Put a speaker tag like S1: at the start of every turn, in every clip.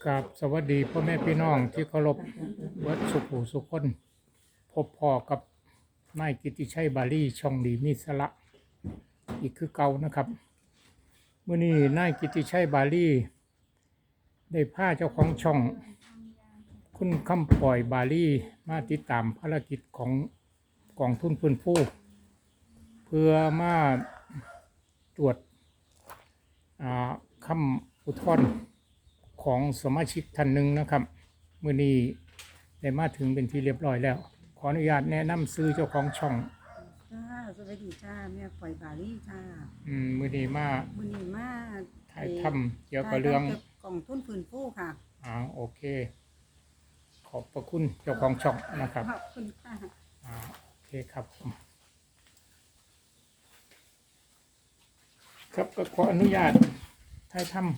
S1: กับสวัสดีพ่อแม่พี่น้องที่เคารพวัดสุขหูสุขคนพบพ่อกับนายกิติชัยบาลีช่องดีมีสาระอีกคือเก่านะครับเมื่อนี้นายกิติชัยบาลีได้พาเจ้าของช่องคุณคำปล่อยบาลีมาติดตามภารกิจของกองทุนฟื้นฟูเพื่อมาตรวจคำอุทธรณ์ของสมาชิกท่านหนึ่งนะครับมื้อนี้ได้มาถึงเป็นที่เรียบร้อยแล้วขออนุญาตแนะนำซื้อเจ้าของช่อง
S2: จ้าสวัสดีจ้าแม่ปล่อยบาลี่จ้า
S1: มื้อนี้มา
S2: มื้อนี้มา
S1: ถ่ายทำเกี่ยวกับเรื่อง
S2: กล่องทุนฟื้นฟูค่ะ
S1: โอเคขอบพระคุณเจ้าของช่องนะครับ
S2: ขอบคุณค่ะ
S1: โอเคครับครับก็ขออนุญาตถ่ายทำ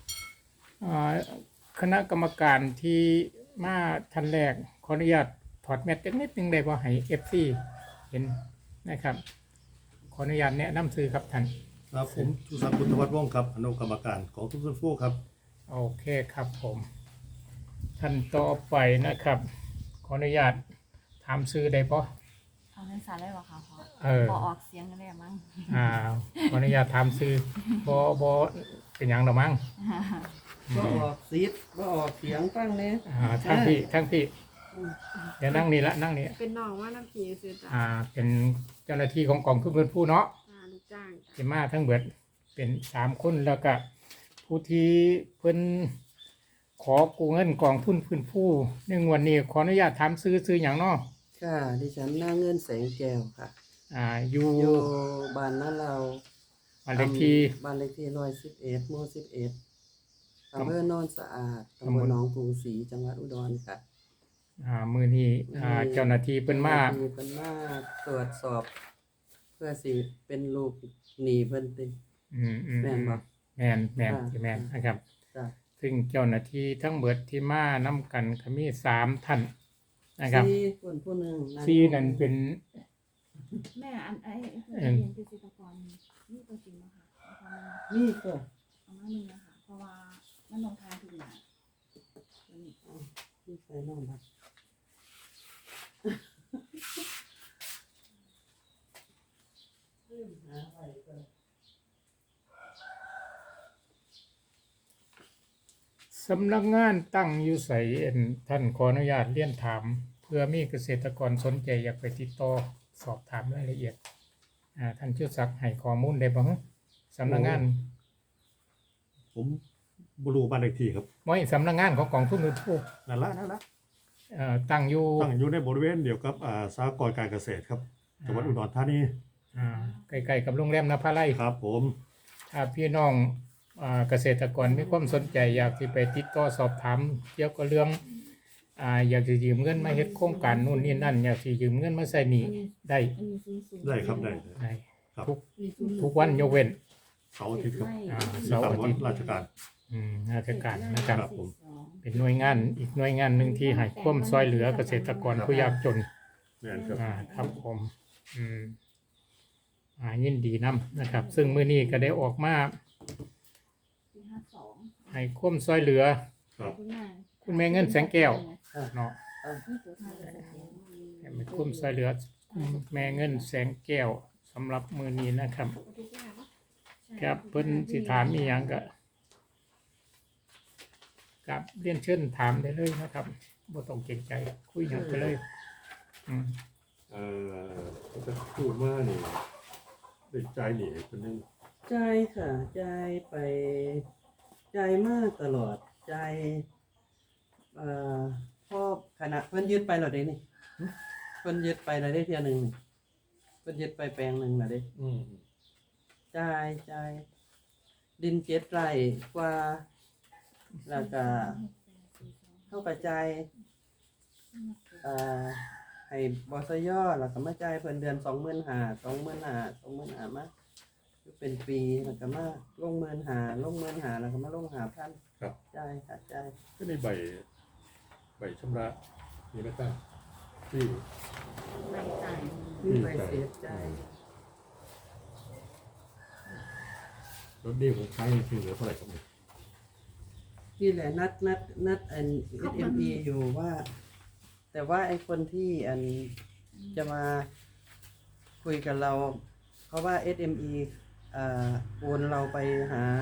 S1: คณะกรรมการที่มาท่านแรกขออนุญาตถอดแมสนิดนึงได้บ่ให้ FC เห็นนะครับขออนุญาตแนะนำซื้อครับท่าน
S3: ครับผมชูศักดิ์พุทธวัฒน์ว่องครับอนุกรรมการของทุกฟื้นฟูครับ
S1: โอเคครับผมท่านต่อไปนะครับขออนุญาตถามซื้อได้บ่
S4: เอาในสารได้หรอคะพ่อออกเสียงกันได้มั้ง
S1: ขออนุญาตถามซื้อบ่เป็นหยังหรอมั้ง
S5: บ่ออกซีดบ่ออกเสียงฟังเนี่ย
S1: ทั้งพี่เดี๋ยวนั่งนี่ละนั่งนี่
S2: เป็นน้องว่าน้ำผีซื้อจ้า
S1: เป็นเจ้าหน้าที่ของกองทุนฟื้นฟูเนาะ
S2: ลูกจ้าง
S1: ที่มาทั้งเบิดเป็น3 คนแล้วก็ผู้ที่เพิ่นขอกู้เงินกองทุนฟื้นฟูในงวดนี้ขออนุญาตถามซื้ออย่างเนาะ
S5: ค่ะดิฉันหน้าเงินแสงแก้วค่ะ
S1: อยู่
S5: บ้านนั้นเรา
S1: บ้านเลขที่
S5: 111หมู่11อำเภอโนนสะอาดตำบลหนองกรุงศรีจังหวัดอุดรค่ะ
S1: มื้อนี้เจ้าหน้าที่เพิ่นมา
S5: ตรวจสอบเพื่อสิเป็นลูกหนี้เพิ่นติแม่นบ่
S1: แม่นนะครับซึ่งเจ้าหน้าที่ทั้งเบิดที่มานำกันก็มี3ท่านนะครับ
S5: 4คนผู้นึง
S1: 4นั่นเป็น
S4: แม่อันเป็นเกษตรกรนี่ตัวจริงบ่ค่ะ
S5: นี่ก็
S4: เอามา1นะคะเพราะว่ามันลงทางถูกหนา
S5: นี่ใส่น้องบัด
S1: สำนักงานตั้งอยู่ไสท่านขออนุญาตเรียนถามเพื่อมีเกษตรกรสนใจอยากไปติดต่อสอบถามรายละเอียดท่านชื่อศักดิ์ให้ข้อมูลได้บ่สำนักงาน
S3: ผมบรูบ้านเลขที่ครับ
S1: ไม่สำนักงานของกองทุนฟื้นฟู
S3: นั่นละ
S1: ตั้งอยู่
S3: ในบริเวณเดียวกับสหกรณ์การเกษตรครับจังหวัดอุดรธานี
S1: ใกล้ๆกับโรงแรมนภาลัย
S3: ครับผม
S1: ถ้าพี่น้องเกษตรกรมีความสนใจอยากที่ไปติดต่อสอบถามเกี่ยวกับเรื่องอยากจะยืมเงินมาเฮ็ดโครงการนู่นนี่นั่นอยากสิยืมเงินมาใช้หนี้
S3: ได้ครับได้
S1: ครับทุกวันยกเว้น
S3: เสาร์อาทิตย์ครับ
S1: เสาร์อาทิตย์
S3: ราชการ
S1: นะครับเป็นหน่วยงานอีกหน่วยงานหนึ่งที่ให้ความช่วยเหลือเกษตรกรผู้ยากจนครับผมยินดีนะครับซึ่งมื้อนี้ก็ได้ออกมาให้ความช่วยเหลือคุณแม่เงินแสงแก้วเนาะให้ความช่วยเหลือแม่เงินแสงแก้วสำหรับมื้อนี้นะครับครับเพิ่นสิถามอีหยังก็ครับเรียนเชิญถามได้เลยนะครับบ่ต้องเกรงใจคุยหยังไปเลย
S3: จะพูดว่านี่ได้ใจหนีคนนึง
S5: ใจค่ะใจไปใจมากตลอดใจพ่อขณะเพิ่นยึดไปแล้วเด้นี่เพิ่นยึดไปแล้วได้เที่ยนึงเพิ่นยึดไปแปลงนึงแล้วเด้ใจดิน7 ไร่กว่าแล้วก็เข้ากระจายให้บสยแล้วก็มาจ่ายเพิ่นเดือน25,000มาเป็นปีแล้วก็มาลง15,000แล้วก็มาลง5,000
S3: ครับ
S5: จ่ายค่ะจ่าย
S3: ก็ในใบชำระมีไหมครับที่
S4: ใบจ่าย
S5: ใบเสียใจ
S3: รถดีผมใช้คือเหลือเท่าไหร่ครับ
S5: นี่แหละนัดอัน SME อยู่ว่า แต่ว่าไอ้คนที่อันจะมาคุยกับเรา เพราะว่า SME โอนเราไปหา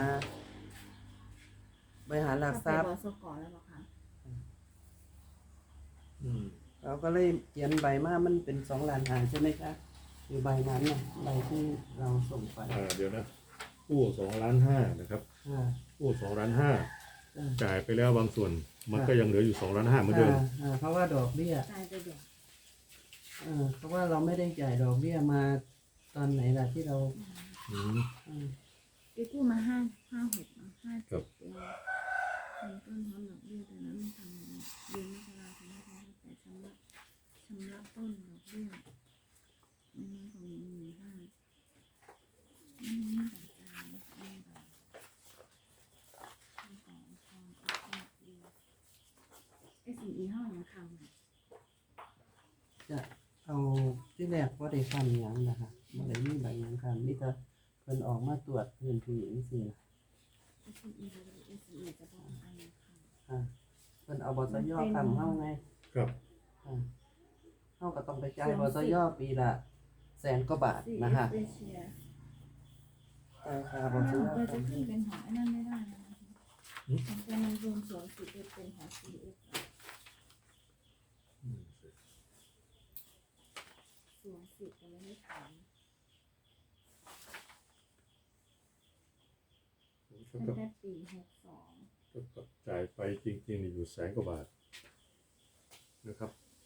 S5: หลักทรัพย์
S4: บสกแล้วบอกค่ะ
S3: อืม
S5: เราก็เลยเขียนใบมามันเป็น2 ล้านหาใช่ไหมคะอยู่ใบนั้นน่ะใบที่เราส่งไป
S3: เดี๋ยวนะกู้2,500,000นะครับ กู้2,500,000จ่ายไปแล้วบางส่วน มันก็ยังเหลืออยู่2,500,000เหมือนเดิม
S5: เพราะว่าดอกเบี้ย
S4: จ่ายไปเดี๋ยว
S5: เพราะว่าเราไม่ได้จ่ายดอกเบี้ยมาตอนไหนล่ะที่เรา
S3: อืม
S4: ไปกู้มา5-6เนาะ
S3: ครับ
S4: 5-7 ปีเงินต้นพร้อมดอกเบี้ยแต่นั้นไม่ทำเดือนมกราคมแต่ชำระต้นดอกเบี้ยไม่น้อยกว่า15,000ไม่มีแต่จ่ายไม่ได้SME เท่าไหร่นะคำ
S5: จะเอาที่แรกว่าได้ฟันหยังนะคะบ่ได้มีใบหยังคันมีแต่เพิ่นออกมาตรวจพื้นที่จังซี่นะ
S4: SME จะบอกอันนี้ค่ะ
S5: เพิ่นเอาบสยทำเฮาไง
S3: ครับ
S5: เฮาก็ต้องไปจ่ายบสยปีละ100,000 กว่าบาทนะฮะ
S4: เอเชีย
S5: จ่ายค่าบ
S4: ถ้า
S5: ส
S4: เรา
S5: ย
S4: จะขึ้นเป็นของไอ้นั่นไม่ได้นะคะของเป็นมันรวมส่วนสิบเป็นของ CF ส่วนสิบแต่ไม่ได้ขาย
S3: เท่า
S4: ตั้ง
S3: กับ
S4: แต่ปี62
S3: เท่ากับจ่ายไปจริงๆนี่อยู่100,000 กว่าบาทนะครับ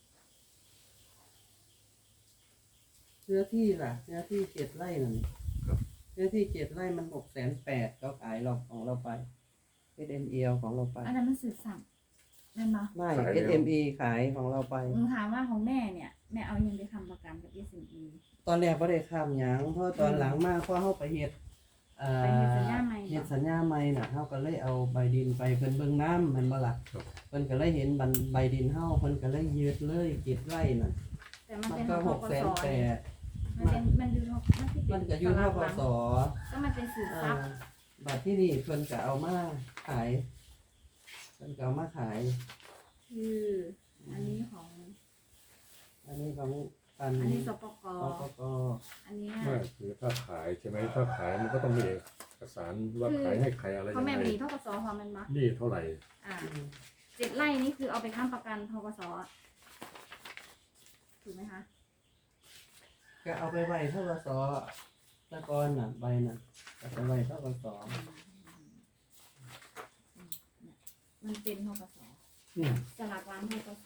S5: เนื้อที่ล่ะเนื้อที่7 ไร่นั่น
S3: ครับ
S5: เนื้อที่7 ไร่มัน680,000เขาขายเราของเราไป SME ของเราไป
S4: อันนั้นมันสืบสั่งนั่นปะ
S5: ไม่ SME ขายของเราไป
S4: หนูถามว่าของแม่เนี่ย แม่เอายังไปทำประกันกับ SME
S5: ตอนแรกบ่ได้ข้ามหยังเพราะตอนหลังมาพอเฮาไปเฮ็ด
S4: ไปเฮ็ดสัญญาใหม่
S5: เฮ็ดสัญญาใหม่น่ะเฮาก็เลยเอาใบดินไปเพิ่นเบิ่งน้ำแม่นบ่ล่ะ
S3: ครับ
S5: เพิ่นก็เลยเห็นใบดินเฮาเพิ่นก็เลยยึดเลย7 ไร่น่ะ
S4: แต่มัน
S5: มัน
S4: เป็น
S5: ก็
S4: ของทกส
S5: 680,000
S4: มันอยู่มันที่
S5: มันก็อยู่ทกส
S4: ก็มันเป็นสืบทรัพย์
S5: บัตรที่นี่เพิ่นก็เอามาขายเพิ่นก็เอามาขาย
S4: คืออันนี้ของ
S5: อันนี้ของปัน
S4: อันนี้สปก
S5: ปก
S4: อันเนี้ย
S3: ไม่คือถ้าขายใช่ไหมถ้าขายมันก็ต้องมีเอกสารว่าขายให้ใครอะไร
S4: เพ
S3: ยั
S4: ราะ
S3: ง
S4: แม่
S3: ไง
S4: มีทกสพอมันมัก
S3: นี่เท่าไหร่
S4: 7 ไร่นี่คือเอาไปค้ำประกันทกสอะถูกไหมคะ
S5: ก็เอาไปไว้ทกสตะกอนน่ะใบน่ะเอาไปไว้ทกส
S4: มันเป็นทกส
S5: เนี่ย
S4: สลากร้านทกส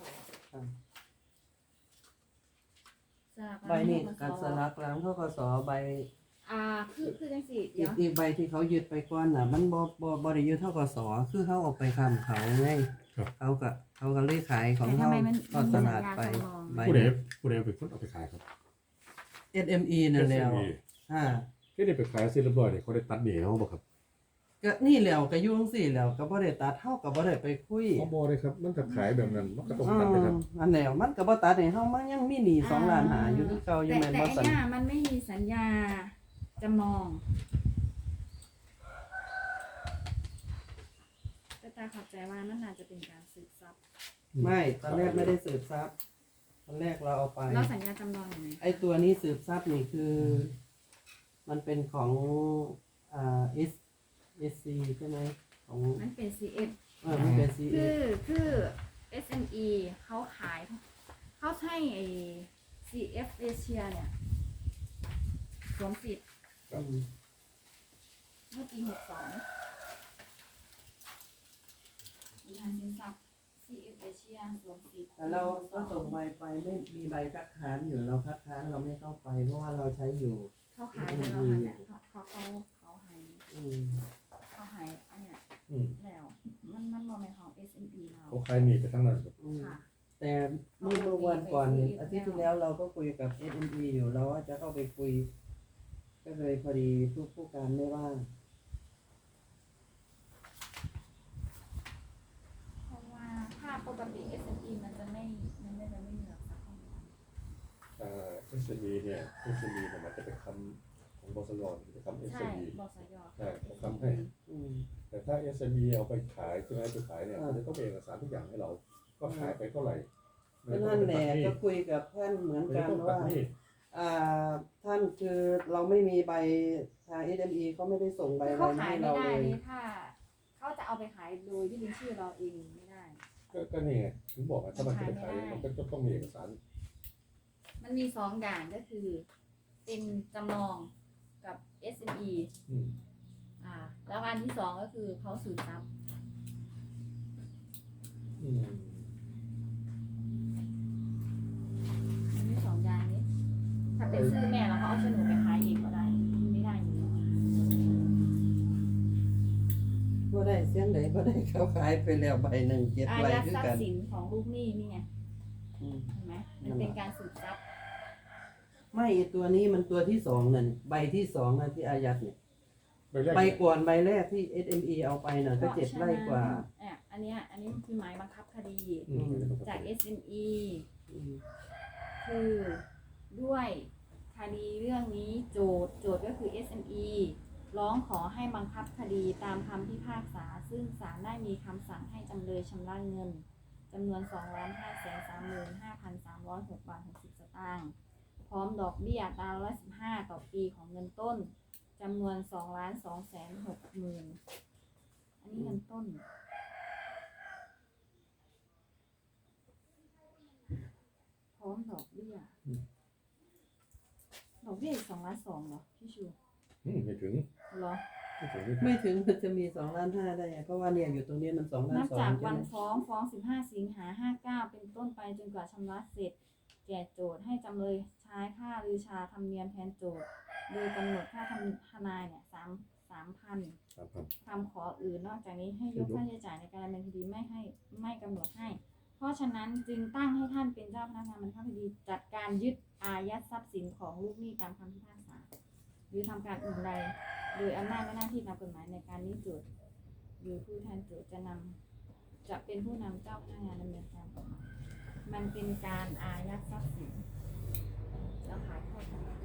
S4: สลาก
S5: ใบ
S4: ร้าน
S5: นี่
S4: ทก
S5: การ
S4: ส
S5: สลักหลังทกสใบ
S4: คือจังสิเดี๋ยว
S5: อีกใบที่เขายึดไปก่อนน่ะ มันบ่ได้ยึดทกสคือเขาเอาไปค้ำเขาไงเขาก็เลยขายของ
S4: แต่
S5: เขา
S4: ทำไมมัน
S5: ทอดตลาดไปใบ
S3: ผู้ใดเป็นคนเอาไปขายครับ
S5: SME นั่นแล้ว
S3: SME
S5: อ่า
S3: ที่ได้ไปขายเสร็จเรียบร้อยเนี่ยเขาได้ตัดเหนียวบ่ครับ
S5: ก็นี่แหล้วก็อยู่จังซี่แหล้วก็บ่ได้ตัดเฮาก็บ่ได้ไปคุย
S3: เขาบอกเลยครับ มันจะขายแบบนั้นมันก็ต้องตัดเลยครับ
S5: อันแล้วมันก็บ่ตัดให้เฮามันยังมีหนี้2 ล้านหาอยู่คือเก่าอยู่
S4: แต่
S5: แม่น
S4: แต่
S5: บ่
S4: ไอ้
S5: ซั่น
S4: เนี่ยมันไม่มีสัญญาจำนองแต่ตาเข้าใจว่านั่นน่าจะเป็นการสืบทรัพย์
S5: ไม่ตอนแรกไม่ได้สืบทรัพย์ตอนแรกเราเอาไป
S4: แล้วสัญญาจำนองยังไง
S5: ไอ้ตัวนี้สืบทรัพย์นี่คือ มันเป็นของSC ใช่ไหมของ
S4: มันเป็น CF
S5: มันเป็น
S4: คื
S5: CA
S4: คือ SME เขาขายเขาใช้ไอ้ CF Asia เนี่ยสวมสิทธิ์
S5: อืม
S4: เมื่อปี62มีทางสินทรัพย์ CF Asia สวมสิทธิ์
S5: แต่เราก็ส่งใบไปไม่มีใบคัดค้านอยู่เราคัดค้านเราไม่เข้าไปเพราะว่าเราใช้อยู่
S4: เขาขายไปแล้วค่ะเนี่ยเขาให้
S5: อืม
S4: เขาให้อันเนี้ย
S3: อืม
S4: แล้วมันบ่แม่นของ SME เรา
S3: เขาขายหนีไปทั้งนั้นครับ
S5: อืม
S4: ค่ะ
S5: แต่เมื่อวันก่อนอาทิตย์ที่แล้วเราก็คุยกับ SME อยู่เราว่าจะเข้าไปคุย ก็เลยพอดีผู้การไม่ว่าง
S4: เพราะว่าถ้าปกติ SME มันจะไม่มีหลักทรัพย์เข้ามา
S3: SME เนี่ย SME เนี่ยมันจะเป็นคำของของบสยจะทำ
S4: ใช่
S3: SME
S4: บสย
S3: ใช่เขาทำให้
S5: อืม
S3: แต่ถ้า SME เอาไปขายใช่ไหมไปขายเนี่ยมันจะต้องเป็นเอกสารทุกอย่างให้เรา ก็ขายไปเท่าไหร่
S5: ก็นั่นแหละก็คุยกับท่านเหมือน
S3: ไม่
S5: กัน
S3: ต้องตั
S5: ว่า
S3: ดหนี้
S5: ท่านคือเราไม่มีใบทาง SME เขาไม่ได้ส่งใบ
S4: คือ
S5: อะไร
S4: เขา
S5: มา
S4: ขาย
S5: ให้
S4: ไม่
S5: เรา
S4: ได้
S5: เลย
S4: นี่ถ้าเขาจะเอาไปขายโดยที่เป็นชื่อเราเองไม่ได้
S3: ก็นี่ไงถึงบอกว่าถ้ามันจะไปขายมันก็จะต้องมีเอกสาร
S4: มันมีสองอย่างก็คือ เป็นจำลองกับ SME
S3: อืม
S4: แล้วอันที่สองก็คือเขาสืบทรัพย์
S3: อืม
S4: มันมีสองอย่างนี้ ถ้าเป็นชื่อแม่แล้วเขาเอาโฉนดไปขายเองก็ได้ไม่ได้อยู่แล้ว
S5: ก็ได้เสียงไหนก็ได้เขาขายไปแล้วใบหนึ่งเจ็ด
S4: อา
S5: ใบ
S4: ยัด
S5: คือ
S4: ทรัพ
S5: กัน
S4: ย์สินของลูกหนี้นี่ไง
S5: อืม
S4: เห็นไหมมันเป็นการสืบทรัพย์
S5: ไม่ตัวนี้มันตัวที่สองนั่นใบที่สองนะที่อายัดเนี่ย
S3: ใบแรก
S5: ใบก่อนใบแรกที่ SME เอาไปน่ะก็เจ็ดไร่กว่า
S4: อันนี้คือหมายบังคับคดี
S3: อืม
S4: จาก SME
S5: อืม
S4: คือด้วยคดีเรื่องนี้โจทย์ก็คือ SME ร้องขอให้บังคับคดีตามคำพิพากษาซึ่งศาลได้มีคำสั่งให้จำเลยชำระเงินจำนวน 2,535,306 บาท 60 สตางค์พร้อมดอกเบี้ยอัตรา115ต่อปีของเงินต้นจำนวน 2,260,000 อันนี้เงินต้น พร้อมดอกเบี้ย ดอกเบี้ยอีก2,200,000เหรอพี่ชู
S3: ไม่ถึง
S4: เหรอ
S5: ไม่ถึงมันจะมี2,500,000ได้ไงเพราะว่าเนี่ยอยู่ตรงนี้มัน
S4: นับ
S5: 2,200,000
S4: จาก
S5: ใช่
S4: วัน
S5: ไหม
S4: ฟ้อง 15 สิงหา 59 เป็นต้นไปจนกว่าชำระเสร็จ แก่โจทย์ให้จำเลยใช้ค่าลือชาธรรมเนียมแทนโจทย์ โดยกำหนดค่าทนายเนี่ย3,000 คำขออื่นนอกจากนี้ให้ยกค่าใช้จ่ายในการดำเนินคดีไม่กำหนดให้ เพราะฉะนั้นจึงตั้งให้ท่านเป็นเจ้าพนักงานบังคับคดีจัดการยึดอายัดทรัพย์สินของลูกหนี้ตามคำพิพากษา หรือทำการอื่นใดโดยอำนาจและหน้าที่ตามกฎหมายในการนี้โจทย์หรือผู้แทนโจทย์จะเป็นผู้นำเจ้าพนักงานดำเนินการต่อมามันเป็นการอายัดทรัพย์สินแล้วขายทอดตลาด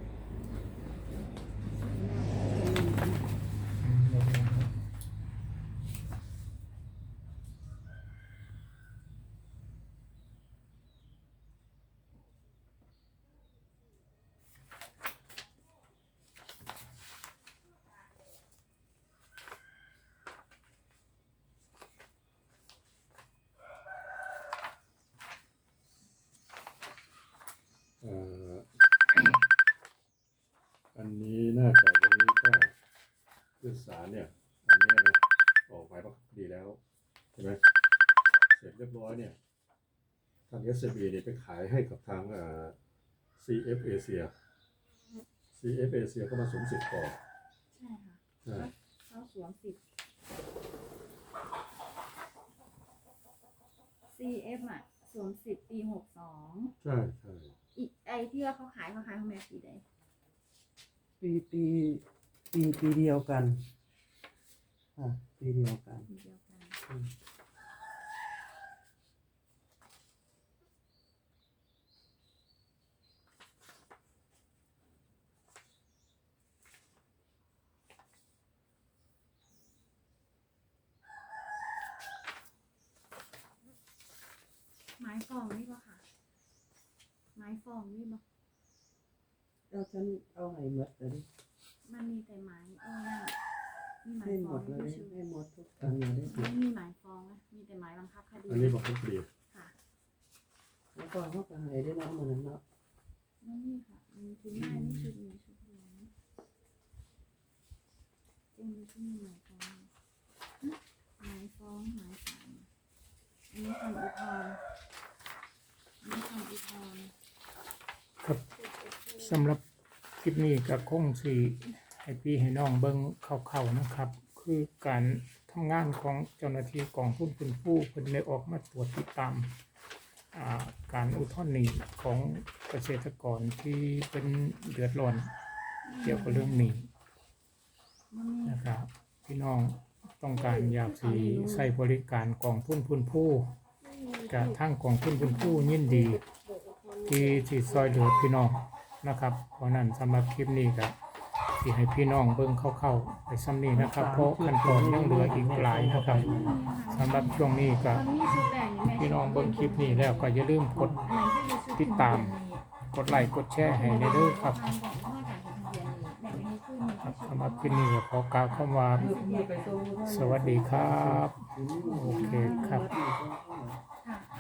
S3: อันนี้น่าจะวันนี้ก็ขึ้นศาลเนี่ยอันนี้นะออกหมายบังคับคดีแล้วใช่ไหมเสร็จเรียบร้อยเนี่ยทาง SME เนี่ยไปขายให้กับทางCF Asia CF Asia ก็มาสวมสิทธิ์ต่อ
S4: ใช่ค่ะ
S3: ใช่
S4: เขาสวมสิทธิ์ CF อ่ะสวมสิทธิ์ปี 62
S3: ใช่ใช่
S4: อีกไอที่ว่าเขาขายของแม่ปีใด
S5: ปีเดียวกันปีเดียวกัน
S4: ปีเดียวกัน ไม้ฟองนี่ป่ะค่ะ ไม้ฟองนี่ป่ะ
S5: เอาฉันเอาให้หมดเลย
S4: มันมีแต่ไม้นั่นมีไม้
S5: ให้
S4: ฟ
S5: หม
S4: อง
S5: ดเลย
S4: ไม่ชื่อ
S5: ให้หมดทุกอันเลยได้
S4: ไม่มีไม้ฟองนะมีแต่ไม้บังคับคดี
S3: อันนี้บังคับคดี
S4: ค่ะ
S5: แล้วก็เขาก็ให้ได้เนาะมันนั้นเนาะ
S4: ไม่มีค่ะมีชุดไม้นี่ชุดนี้ชุดเดียวนะจริงๆที่มีไม้ฟองไม้ฟองไม้สามอันนี้คำอุทธรณ์อันนี้คำอุทธรณ์
S1: ครับสำหรับคลิปนี้ก็คงสิให้พี่ให้น้องเบิ่งเข้าๆนะครับ คือการทำงานของเจ้าหน้าที่กองทุนคุณผู้เพิ่นได้ออกมาตรวจติดตามการอุทธรณ์หนี้ของเกษตรกรที่เป็นเดือดร้อนเกี่ยวกับเรื่องหนี้
S4: มันมี
S1: นะครับพี่น้องต้องการอยากสิใช้บริการกองทุนคุณผู้กับทางกองทุนคุณผู้ยินดีที่ซอยเหลือพี่น้องนะครับเพราะนั้นสำหรับคลิปนี้ก็ที่ให้พี่น้องเบิ่งเข้าๆไปซ้ำนี้นะครับ เพราะขั้นตอนยังเหลืออีกหลายนะครับสำหรับช่วงนี้ก็
S4: ตอนนี้ชุดแรกนี่แม่
S1: พี่น้องเบิ่งคลิปนี้แล้วก็อย่าลืมกด
S4: อันไหนที่เป็นชุด
S1: ติดตาม กดไลค์กดแชร์ให้ในเด้อครับ
S4: ทางของพ่อจากทะเบียนนี่แบ่งให้ขึ้น
S1: ครับสำหรับคลิปนี้ก็ขอกล่าวคำว่าสวัสดีครับ โอเคครับ
S4: ค่ะ